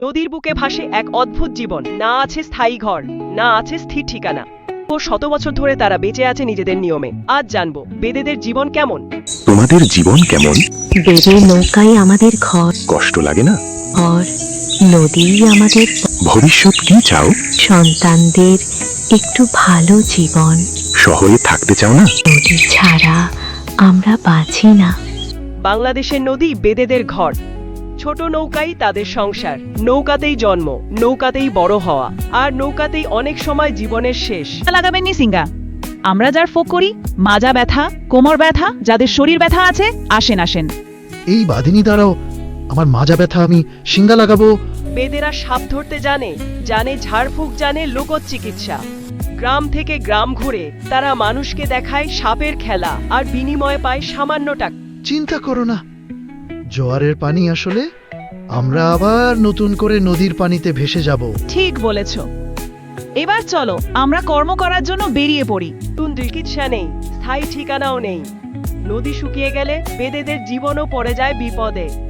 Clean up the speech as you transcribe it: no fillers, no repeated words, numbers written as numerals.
নদীর বুকে ভাসে এক অদ্ভুত জীবন, না আছে স্থায়ী ঘর, না আছে স্থির ঠিকানা। শত বছর ধরে তারা বেঁচে আছে নিজেদের নিয়মে। আজ জানবো বেদেদের জীবন কেমন। তোমাদের জীবন কেমন? বেদের নৌকাই আমাদের ঘর, কষ্ট লাগে না? আর নদী আমাদের ভবিষ্যৎ কি চাও? সন্তানদের একটু ভালো জীবন। শহরে থাকতে চাও না? নদী ছাড়া আমরা বাঁচি না। বাংলাদেশের নদী বেদেদের ঘর। ছোট নৌকাই তাদের সংসার। নৌকাতেই জন্ম, নৌকাতেই বড় হওয়া, আর নৌকাতেই অনেক সময় জীবনের শেষ। লাগাবেন নি সিঙ্গা। আমরা যার ফোক করি, মাজা ব্যথা, কোমর ব্যথা, যাদের শরীর ব্যথা আছে, আসেন আসেন। এই বাদিনী দাঁড়াও, আমার মাজা ব্যথা, আমি সিঙ্গা লাগাবো। বেদেরা সাপ ধরতে জানে, জানে ঝাড়ফুঁক, জানে লোকজ চিকিৎসা। গ্রাম থেকে গ্রাম ঘুরে তারা মানুষকে দেখায় সাপের খেলা, আর বিনিময়ে পায় সামান্য টাকা। চিন্তা করো না, জোয়ারের পানি আসলে আমরা আবার নতুন করে নদীর পানিতে ভেসে যাব। ঠিক বলেছ। এবার চলো আমরা কর্ম করার জন্য বেরিয়ে পড়ি। নতুন চিকিৎসা নেই, স্থায়ী ঠিকানাও নেই। নদী শুকিয়ে গেলে বেদেদের জীবনও পড়ে যায় বিপদে।